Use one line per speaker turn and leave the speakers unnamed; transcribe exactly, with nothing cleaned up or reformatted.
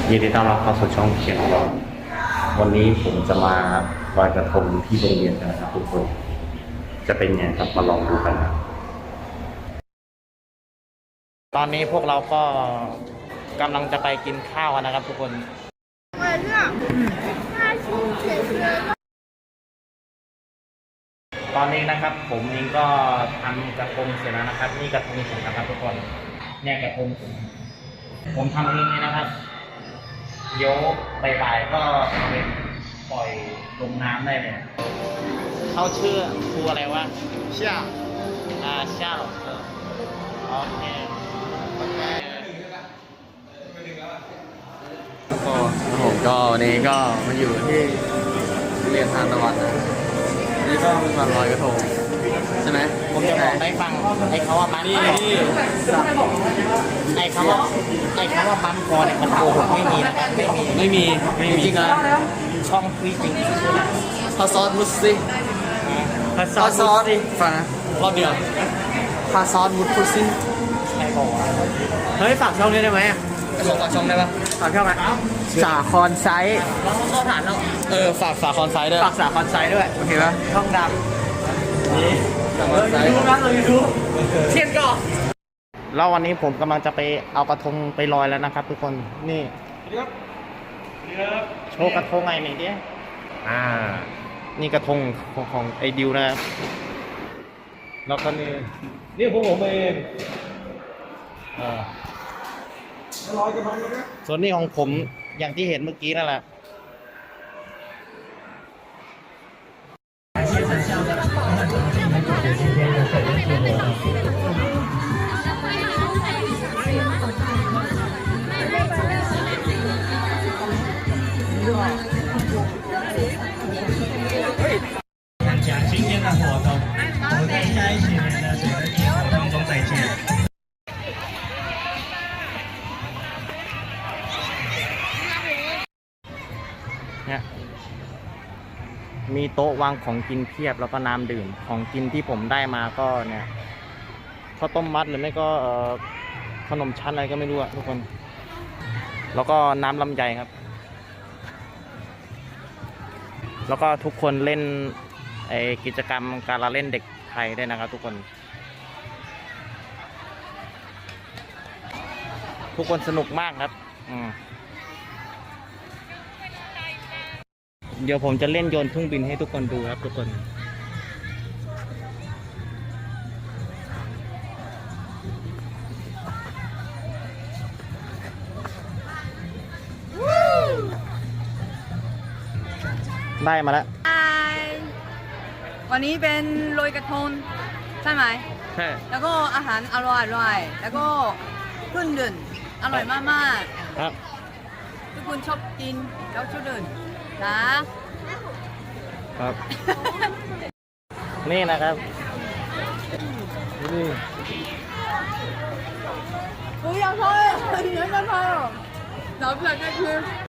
ยินดีต้อนรับเข้าสู่ช่องเขียนของเราวันนี้ผมจะมาลอยกระทงที่โรงเรียนกันนะครับทุกคนจะเป็นไงครับมาลองดูกันนะตอนนี้พวกเราก็กำลังจะไปกินข้าวกันนะครับทุกคนตอนนี้นะครับผมเองก็ทำกระทงเสร็จแล้วนะครับนี่กระทงผมนะครับทุกคนเนี่ยกระทงผมผมทำเองเลยนะครับเดี๋ยวบ่ายๆก็เอาไปปล่อยลงน้ำได้เลยเขาชื่อครูอะไรวะเช่าอ่าเช่าโอเคก็ผมก็วันนี้ก็มาอยู่ที่เรียนทานตะวันนะนี่ก็เป็นวันลอยกระทงใช่ไหมผมจะบอกได้ฟังไอ้เขาว่ามันไอ้เขาว่าไอ้เขาว่ามันคอเนี่ยมันโกหกไม่มีนะไม่มีไม่มีจริงๆนะช่องคุยจริงพาซอสมุสซิพาซอสมุสซิฟังนะรอบเดียวพาซอสมุสซิใครบอกว่าเฮ้ยฝากช่องนี้ได้ไหมฝากช่องได้ปะฝากช่องไหมสาคอนไซส์เข้าฐานแล้วเออฝากสาคอนไซส์ด้วยฝากสาคอนไซส์ด้วยโอเคปะช่องดำนี่ยูทูบนะเรายูทูบเทียนก่อนแล้ววันนี้ผมกำลังจะไปเอากระทงไปลอยแล้วนะครับทุกคนนี่โชว์กระทงไงหน่อยดิอ่านี่กระทงของของไอ้ดิวนะครับแล้วก็นี่นี่พวกผมเองอ่าลอยกระทงเลยนะส่วนนี้ของผมอย่างที่เห็นเมื่อกี้นั่นแหละ讲今天的活动，我们在一起的谁的活动中再见。เนี่ยมีโต๊ะวางของกินเพียบแล้วก็น้ำดื่มของกินที่ผมได้มาก็เนี่ยข้าวต้มมัดหรือไม่ก็ขนมชั้นอะไรก็ไม่รู้อะทุกคนแล้วก็น้ำลำไยครับแล้วก็ทุกคนเล่นไอกิจกรรมการละเล่นเด็กไทยได้นะครับทุกคนทุกคนสนุกมากครับอืมเดี๋ยวผมจะเล่นโยนทุ่งบินให้ทุกคนดูครับทุกคนได้มาแล้ว
วันนี้เป็นโรยกระทงใช่ไหม
ใช่
แล้วก็อาหารอร่อยอร่อยแล้วก็เครื่องดื่มอร่อยมากมาก
ครับ
ทุกคนชอบกินแล้วชอบดื่มนะครับ
นี่นะครับนี่
不要拍，你们在拍哦，老不了再吃。